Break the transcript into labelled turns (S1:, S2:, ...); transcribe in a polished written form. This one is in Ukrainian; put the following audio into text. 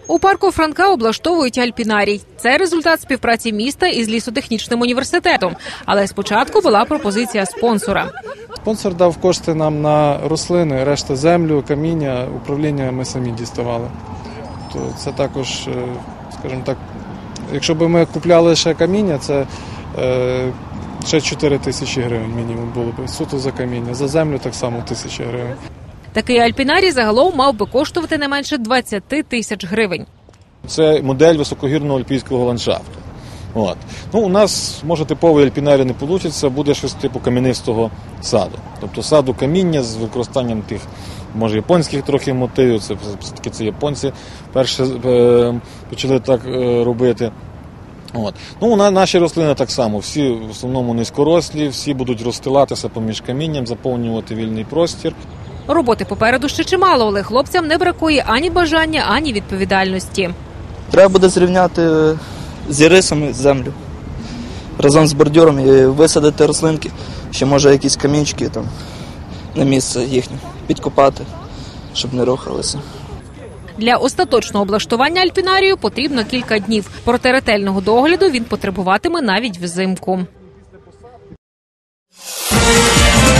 S1: У парку Франка облаштовують альпінарій. Це результат співпраці міста із лісотехнічним університетом. Але спочатку була пропозиція спонсора.
S2: Спонсор дав кошти нам на рослини, решта землю, каміння, управління ми самі діставали. То це також, скажімо так, якщо б ми купляли ще каміння, це ще 4 тисячі гривень мінімум було б. Суто за каміння. За землю так само 1000 гривень.
S1: Такий альпінарій загалом мав би коштувати не менше 20 тисяч гривень.
S3: Це модель високогірного альпійського ландшафту. У нас, може, типовий альпінарій не вийде, буде щось типу кам'янистого саду. Тобто саду каміння з використанням тих, може, японських трохи мотивів, це все-таки це японці перші почали так робити. Наші рослини так само, всі в основному низькорослі, всі будуть розстилатися поміж камінням, заповнювати вільний простір.
S1: Роботи попереду ще чимало, але хлопцям не бракує ані бажання, ані відповідальності.
S4: Треба буде зрівняти з ірисами землю разом з бордюром і висадити рослинки, ще може якісь камінчики там на місце їхнє підкопати, щоб не рухалися.
S1: Для остаточного облаштування альпінарію потрібно кілька днів. Проте ретельного догляду він потребуватиме навіть взимку.